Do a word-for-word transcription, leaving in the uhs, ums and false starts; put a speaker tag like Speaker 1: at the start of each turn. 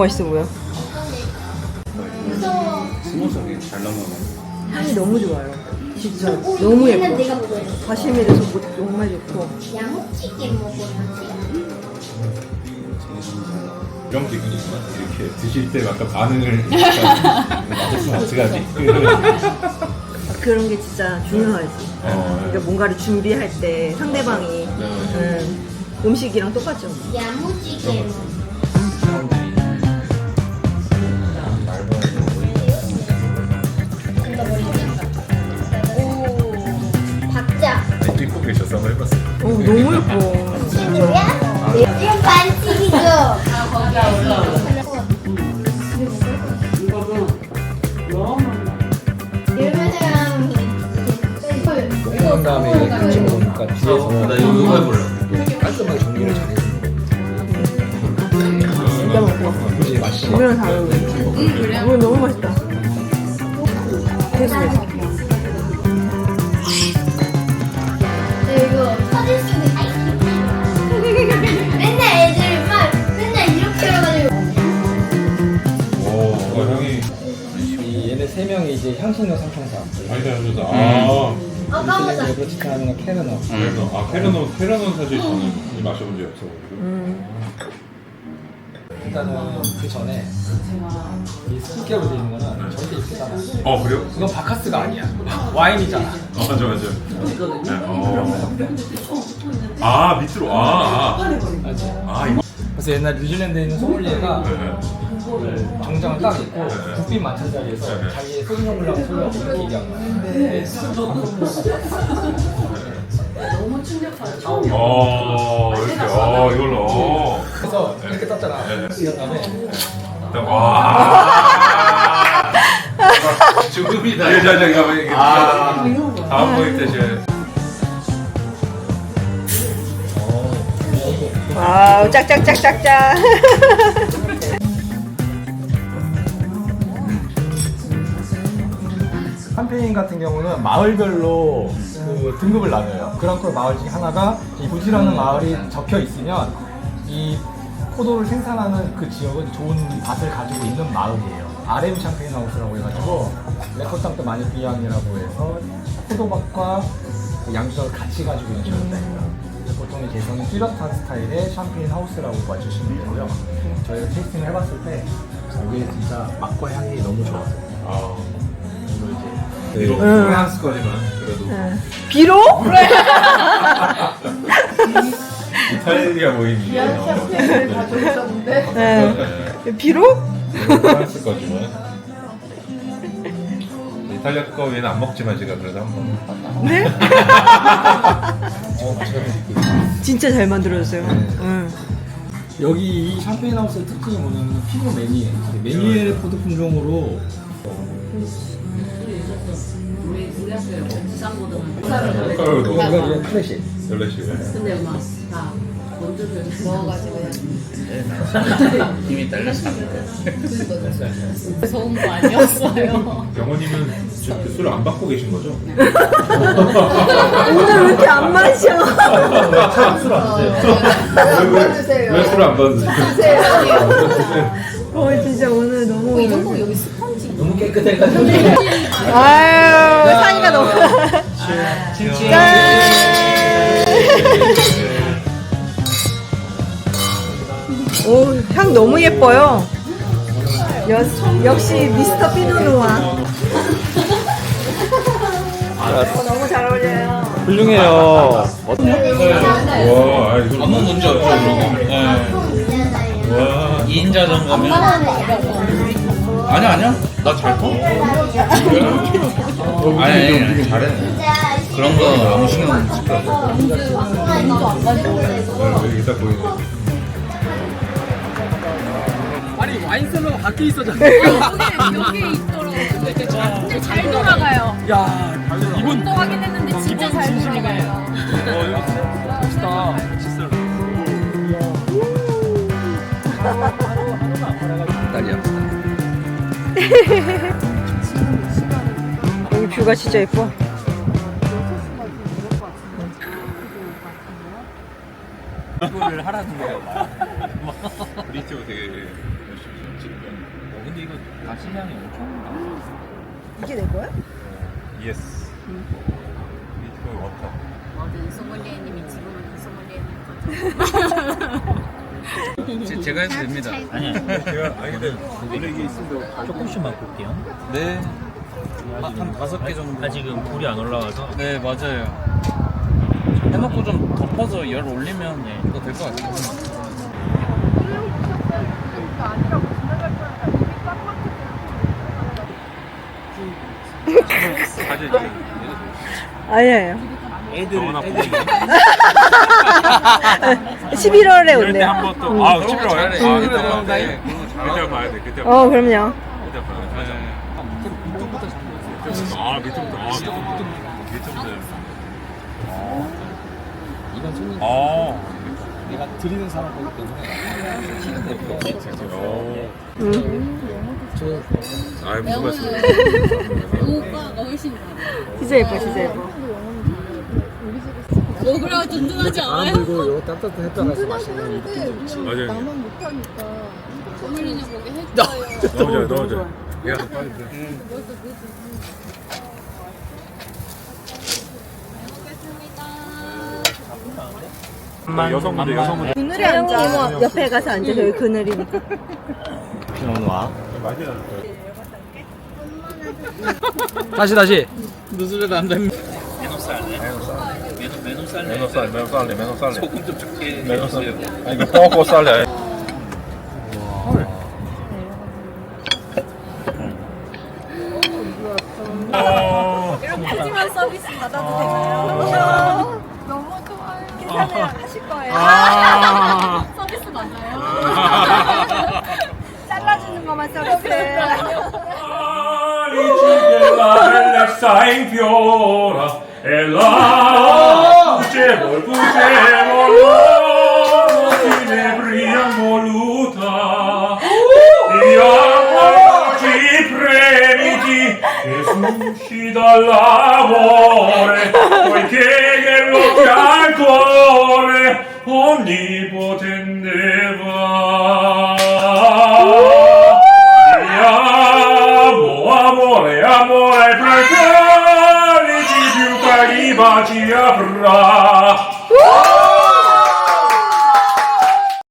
Speaker 1: 맛있어 보여.
Speaker 2: 스무스하게 잘 넘어가.
Speaker 1: 향이 너무 좋아요. 진짜 너무 예뻐.
Speaker 3: 내가 먹어요.
Speaker 1: 과실미에서 뭐 정말 좋고.
Speaker 3: 양호찌개 먹어요.
Speaker 2: 이런 기분이구나. 이렇게 드실 때 약간 반응을 맞았으면 어떡하지?
Speaker 1: 그런 게 진짜 중요하지.
Speaker 2: 어,
Speaker 1: 그러니까 뭔가를 준비할 때 상대방이
Speaker 2: 네.
Speaker 1: 음, 음식이랑 똑같죠.
Speaker 3: 양호찌개 먹어요. 박자.
Speaker 2: 입고 계셔서 한번 해봤어요.
Speaker 1: 오, 너무 예뻐.
Speaker 3: 친구야? 이건 반칙이죠. 아, 거기다 올라오고.
Speaker 4: 한 다음에 같이 먹으니까 뒤에서
Speaker 2: 나 이거 이거 해볼래.
Speaker 4: 깔끔하게 정리를 잘 해주는
Speaker 1: 진짜 맛있어.
Speaker 4: 거 굳이 맛이
Speaker 1: 우리랑 잘 어울려. 응, 그래? 이거 너무 맛있다. 됐어, 됐어.
Speaker 3: 이거 터질 수도 있어. 맨날 애들 막 맨날 이렇게 해가지고.
Speaker 2: 오, 어, 형이
Speaker 4: 이 얘네 세 명이 이제 향신료 삼총사
Speaker 2: 많이 잘해줘서. 아,
Speaker 3: 아 까먹었다.
Speaker 4: 레브로치타는 캐르너
Speaker 2: 그래서 아 캐러논 캐러논 사실 저는 마셔본 적이 없어가지고.
Speaker 1: 음.
Speaker 4: 일단은 그 전에 이 스티커로 되어 있는 거는 절대 이쁘잖아.
Speaker 2: 어 그래요?
Speaker 4: 이건 바카스가 아니야. 와인이잖아.
Speaker 2: 어, 맞아 맞아. 네, 어. 아 밑으로 아, 아.
Speaker 4: 알지?
Speaker 2: 아 이거.
Speaker 4: 그래서 옛날 뉴질랜드에 있는 소믈리에가
Speaker 2: 네.
Speaker 4: 정장을 딱 입고
Speaker 2: 네.
Speaker 4: 국빈 만찬 자리에서
Speaker 2: 네.
Speaker 4: 자기의 소주병 물라고 소리하고 이렇게 얘기한 거야. 네.
Speaker 2: 어 이렇게 어 이걸로. 어.
Speaker 4: 그래서 이렇게 떴잖아.
Speaker 2: 네.
Speaker 4: 이런 다음에
Speaker 2: 일단 와. 죽음이다. 이 자장이 가면 이게. 아. 다음 모임 때 제가.
Speaker 1: 와우, 짝짝짝짝짝.
Speaker 4: 샴페인 같은 경우는 마을별로 그 등급을 나눠요. 그랑크루 마을 중에 하나가 이 부지라는 마을이 적혀 있으면 이 포도를 생산하는 그 지역은 좋은 밭을 가지고 있는 마을이에요. 알엠 샴페인 하우스라고 해가지고 레코땅도 마니피앙이라고 해서 포도밭과 그 양주장을 같이 가지고 있는 지역입니다. 보통 개성이 뚜렷한 스타일의 샴페인 하우스라고 봐주시면 되고요. 저희가 테이스팅을 해봤을 때 이게 진짜 맛과 향이 너무 좋아요.
Speaker 2: 아.
Speaker 4: 이제
Speaker 2: 비록 프랑스까지만 그래도
Speaker 1: 비록?
Speaker 2: 이탈리아 모임이.
Speaker 1: 네. 비록?
Speaker 2: 프랑스까지만. 이탈리아 거 얘는 안 먹지만 제가 그래도 한번.
Speaker 1: 네?
Speaker 4: 어, 제가
Speaker 1: 진짜 잘 만들어졌어요. 응.
Speaker 4: 여기 이 샴페인 하우스의 특징이 뭐냐면 피노 메니에 메니에르 포도 품종으로
Speaker 2: 색깔도
Speaker 4: 이거 이제 클래식
Speaker 2: 열레시고.
Speaker 5: 근데 막 다 원두를 넣어가지고
Speaker 6: 힘이 딸렸어.
Speaker 5: 무서운 거 아니었어요.
Speaker 2: 병원님은 지금 그 술을 안 받고 계신 거죠?
Speaker 1: 오늘 왜 이렇게 안 마셔?
Speaker 4: 술안 드세요.
Speaker 2: 왜 술을 안 받으세요?
Speaker 1: 어, 진짜 오늘 너무.
Speaker 5: 이 정도 여기 스펀지.
Speaker 4: 너무 깨끗해가지고
Speaker 1: 아유, 산이가 너무. 짠! 오, 향 너무 예뻐요. 여, 역시 미스터 피노누아. 어, 너무 잘 어울려요.
Speaker 4: 훌륭해요.
Speaker 2: 와, 아, 이거
Speaker 6: 아무 문제 없죠, 그러고. 네.
Speaker 2: 와.
Speaker 6: 이 인 자전거면. 아니야, 아니야. 나 잘 타. 아니, 아니, 아니, 잘해. 그런 거 아무 신경 안 쓸 거야.
Speaker 2: 여기 딱 보이네.
Speaker 4: 아니 와인셀러가 밖에 있었잖아.
Speaker 5: 여기 있더라고요. 근데 잘 돌아가요.
Speaker 4: 야 이분
Speaker 5: 또 확인했는데 진짜 잘 돌아가요.
Speaker 4: 멋있다. 딸이야.
Speaker 1: 여기 뷰가 진짜 예뻐.
Speaker 4: 이거를 하라는 거예요.
Speaker 2: 우리 팀은 되게 열심히.
Speaker 6: 근데 이거 가시량이 엄청 많아.
Speaker 1: 이게 내 거야?
Speaker 2: 예스. 이거 워터.
Speaker 5: 어제 소믈리에님이 지금은 그 소믈리에님
Speaker 6: 제, 제가 해도 됩니다. 아니야.
Speaker 2: 제가 아니 근데 원래 이게 있으면
Speaker 7: 조금씩만 볼게요.
Speaker 6: 네. 한, 한 다섯 개 정도.
Speaker 7: 아직은 불이 안 올라와서.
Speaker 6: 네, 맞아요. 해놓고 좀 덮어서 열 올리면 예, 이거 될 것 같아요.
Speaker 2: 사실
Speaker 1: 아니에요.
Speaker 2: 애들 애들
Speaker 1: 십일월에
Speaker 2: 이럴 때
Speaker 1: 온대요.
Speaker 2: 한번 또 아, 십일월 와요? 아,
Speaker 6: 음.
Speaker 2: 그때
Speaker 6: 음.
Speaker 2: 봐야 돼.
Speaker 6: 네, 그런 거
Speaker 2: 그때
Speaker 6: 잘하더라고요.
Speaker 2: 봐야 돼. 그때
Speaker 1: 어,
Speaker 2: 봐야 돼.
Speaker 1: 그럼요.
Speaker 2: 그때 봐야 돼. 맞아.
Speaker 6: 네.
Speaker 2: 아, 밑에부터. 아, 밑에부터. 밑에부터.
Speaker 4: 이건 손님
Speaker 2: 아.
Speaker 4: 내가 드리는 사람 거기 때문에 저
Speaker 2: 아, 무슨 말씀?
Speaker 5: 오빠가 훨씬 많아.
Speaker 1: 진짜 예뻐, 진짜 예뻐.
Speaker 5: 먹으라고 든든하지
Speaker 4: 안
Speaker 5: 않아요?
Speaker 4: 불고 이거 따뜻했다 가서 마시는 느낌도 있지.
Speaker 2: 맞아요.
Speaker 5: 소믈리에님 보게 해줘요.
Speaker 2: 너무 좋아, 너무 좋아. 야, 빨리 그래. 여성분들, 여성분들.
Speaker 1: 그늘에 앉아. 옆에 가서 앉아. 저기 그늘이니까.
Speaker 4: 피노누아. 다시 다시.
Speaker 6: 누수를 안 됩니다.
Speaker 2: 메노살, 메노살레, 메노살레.
Speaker 6: 소금 좀 적게
Speaker 2: 메노살레.
Speaker 6: 해주세요.
Speaker 2: 아니, 이거 뽀꼬 살레.
Speaker 1: 하지만 서비스 받아도 되나요? 너무 좋아요. 괜찮아요. 하실 거예요.
Speaker 2: 아.
Speaker 5: 서비스 맞아요?
Speaker 1: 잘라주는 것만 서비스.
Speaker 2: Bella in fiora e la luce vol fine brillan voluta e oggi premiti che susci dall'amore poiché che lo al cuore onnipotente va. Amore, amore, fra i quali più cari baci avrà.